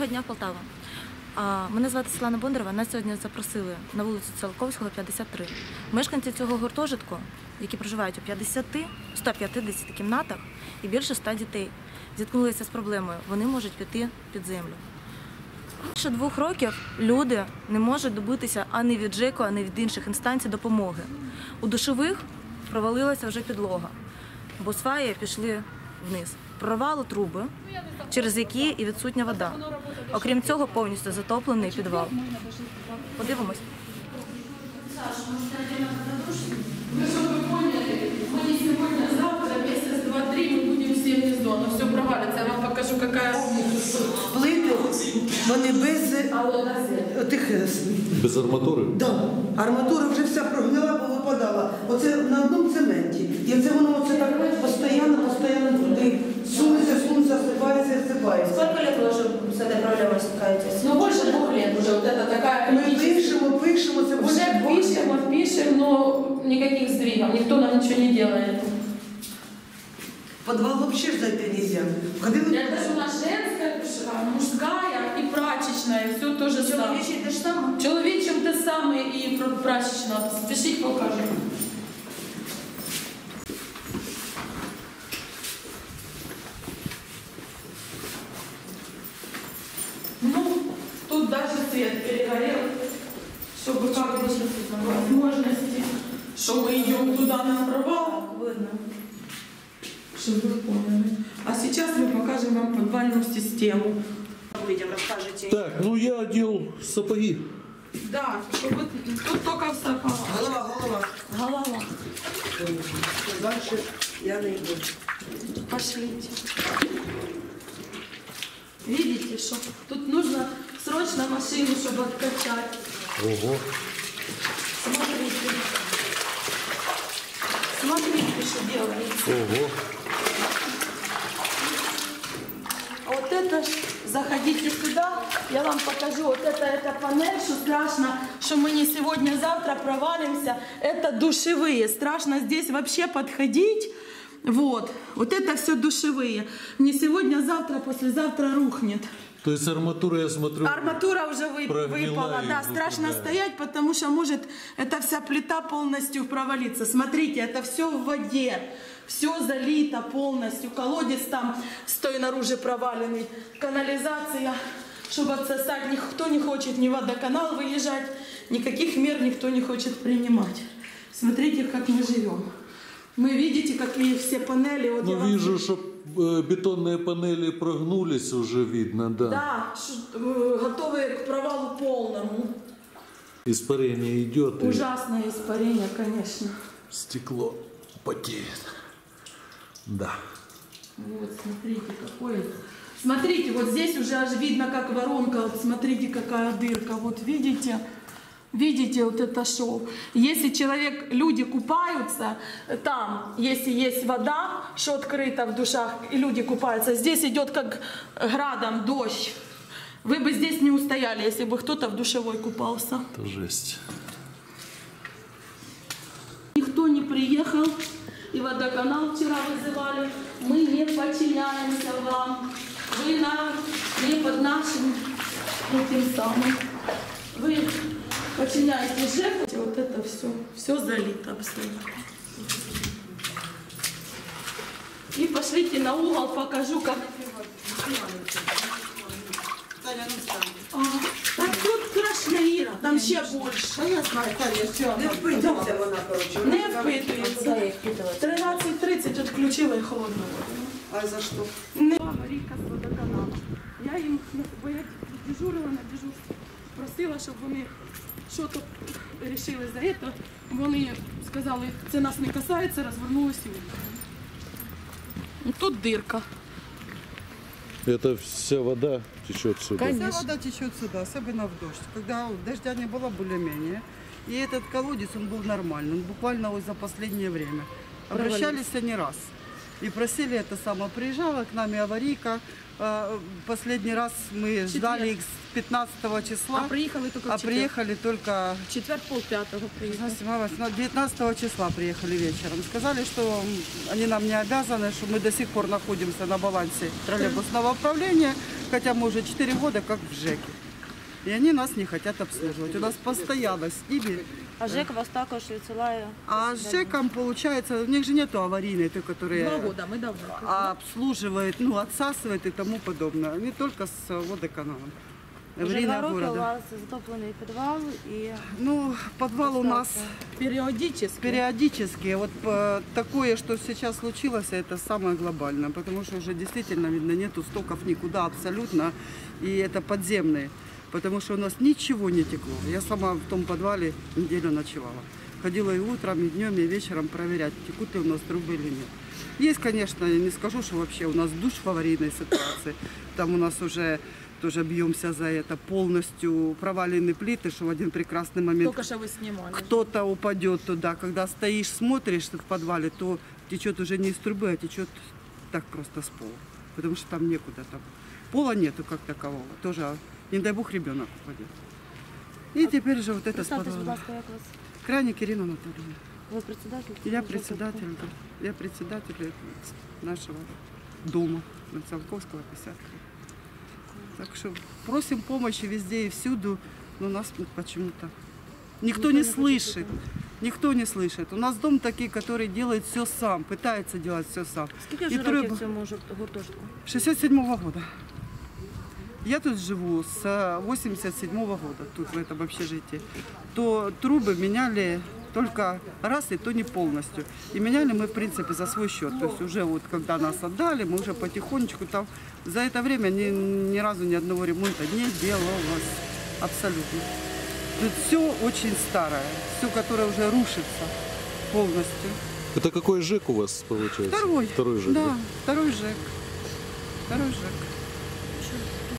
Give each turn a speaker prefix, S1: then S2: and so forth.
S1: дня в Полтаву. Мене звати Світлана Бондарева. Нас сьогодні запросили на вулицю Циолковського, 53. Мешканці цього гуртожитку, які проживають у 150 кімнатах і більше 100 дітей, зіткнулися з проблемою. Вони можуть піти під землю. Більше 2 років люди не можуть добитися ані від ЖЕКу, ані від інших інстанцій допомоги. У душових провалилася вже підлога, бо сваї пішли вниз. Прорвало труби, через які і відсутня вода. Окрім цього, повністю затоплений підвал. Подивимось.
S2: Ну, чтобы вы поняли, мы не сегодня, а завтра, месяц, 2-3, мы будем все внизу, оно все провалится. Я вам покажу, какая...
S3: Плити, вони без тих...
S4: Без арматури?
S3: Так. Да. Арматура вже вся прогнила, повипадала. Оце на одному цементі. І це воно оце так постійно туди сунеться, осипається.
S5: Сколько лет вы уже с этой проблемой сталкиваетесь?
S2: Ну, больше 2 лет уже вот это такая...
S3: Ми пишемо, це
S2: Уже пишем, но никаких сдвигов, никто нам ничего не делает.
S3: В подвал вообще зайти нельзя.
S2: Это же у нас женская, мужская и прачечная, все то же самое.
S5: Человечий те ж саме?
S2: Человечем те самое и прачечная. Спешить покажем. Ну, тут даже свет перегорел, чтобы как бы возможности, что мы идем туда на провал.
S5: Видно.
S2: Чтобы вы поняли. А сейчас мы покажем вам подвальную систему.
S5: Людям расскажете.
S4: Так, ну я одел сапоги.
S2: Да, чтобы тут только в сапогах. Голова.
S3: Дальше я не йду.
S2: Пошлите. Видите, что тут нужно срочно машину, чтобы откачать.
S4: Ого.
S2: Смотрите, что делается.
S4: Ого.
S2: А вот это, заходите сюда, я вам покажу. Вот это панель, что страшно, что мы не сегодня, а завтра провалимся. Это душевые. Страшно здесь вообще подходить. Вот это все душевые. Не сегодня, а завтра, послезавтра рухнет.
S4: То есть арматура, я смотрю...
S2: Арматура уже выпала. Да, страшно стоять, потому что может эта вся плита полностью провалиться. Смотрите, это все в воде. Все залито полностью. Колодец там с той наружу проваленный. Канализация, чтобы отсосать. Никто не хочет ни в водоканал выезжать. Никаких мер никто не хочет принимать. Смотрите, как мы живем. Мы видите, какие все панели. Вот
S4: ну, вижу, что бетонные панели прогнулись, уже видно, да.
S2: Да, готовые к провалу полному.
S4: Испарение идет.
S2: Ужасное испарение, конечно.
S4: Стекло потеет. Да.
S2: Вот, смотрите, какое. Смотрите, вот здесь уже аж видно, как воронка. Вот смотрите, какая дырка. Вот видите? Видите вот это шоу? Если люди купаются, там, если есть вода, что открыто в душах, и люди купаются, здесь идет как градом дождь. Вы бы здесь не устояли, если бы кто-то в душевой купался.
S4: Это жесть.
S2: Никто не приехал, и водоканал вчера вызывали. Мы не подчиняемся вам. Вы не под нашим этим самым. Вы подчиняетесь ЖЭКу. Вот это все залито абсолютно. И пошлите на угол, покажу, как... Так тут страшно, Іра, там ще більше.
S3: Я знаю, не впитується вона, коротше.
S2: Не впитується. 13:30 відключила і холодну воду.
S3: А за що?
S2: Марійка з водоканалу. Я їм, бо я дежурила на дежурстві, просила, щоб вони щось вирішили за це. Вони сказали, це нас не касається, розвернулися і уїхали. Тут дирка.
S4: Это вся вода течет сюда.
S6: Вся вода течет сюда, особенно в дождь. Когда дождя не было более-менее. И этот колодец, он был нормальный. Он буквально вот за последнее время. Обращались они раз. И просили это самое. Приезжала к нами аварийка. Последний раз мы ждали их с 15 числа.
S2: Приехали только в
S6: четверг
S2: 4:30 приехали.
S6: 19 числа приехали вечером. Сказали, что они нам не обязаны, что мы до сих пор находимся на балансе троллейбусного управления. Хотя мы уже 4 года как в ЖЭКе. И они нас не хотят обслуживать. У нас постоянно с ними.
S1: А ЖЕК вас також відсилає.
S6: А с ЖЭКом, получается, у них же нету аварийной, той, которая
S2: мы давно.
S6: обслуживает, ну, отсасывает и тому подобное. Не только с водоканалом.
S1: Вже 2
S6: Аварийная
S1: роки у
S6: города.
S1: вас затоплений підвал і
S6: Ну, подвал у нас
S2: Периодически.
S6: периодически. Вот такое, что сейчас случилось, это самое глобальное. Потому что уже действительно, видно, нету стоков никуда абсолютно. И это подземные. Потому что у нас ничего не текло. Я сама в том подвале неделю ночевала. Ходила и утром, и днем, и вечером проверять, текут ли у нас трубы или нет. Есть, конечно, я не скажу, что вообще у нас душ в аварийной ситуации. Там у нас уже тоже бьемся за это. Полностью провалены плиты, что в один прекрасный момент
S2: Только что вы снимали.
S6: кто-то упадет туда. Когда стоишь, смотришь в подвале, то течет уже не из трубы, а течет так просто с пола. Потому что там некуда. Там пола нету как такового. Тоже, не дай бог, ребенок упадет. И теперь же вот это с
S1: представтесь, будь
S6: подвала.
S1: ласка, як вас?
S6: Крайник Ирина Анатольевна.
S1: Ви председатель?
S6: Я председатель, да. Я председатель нашего дома на Циолковского 53. Так что просим помощи везде и всюду, но нас почему-то никто не слышит. Никто не слышит. У нас дом такой, который делает все сам, пытается делать все сам.
S1: Скільки
S6: І
S1: вже
S6: треба-
S1: років цьому гуртожитку?
S6: 67-го года. Я тут живу с 87-го года, тут в этом общежитии. То трубы меняли только раз, и то не полностью. И меняли мы, в принципе, за свой счет. То есть уже вот когда нас отдали, мы уже потихонечку там... За это время ни разу ни одного ремонта не делалось. Абсолютно. Тут все очень старое, все, которое уже рушится полностью.
S4: Это какой ЖЭК у вас получается?
S6: Второй.
S4: Второй ЖЭК.
S6: Да, второй ЖЭК. Второй ЖЭК.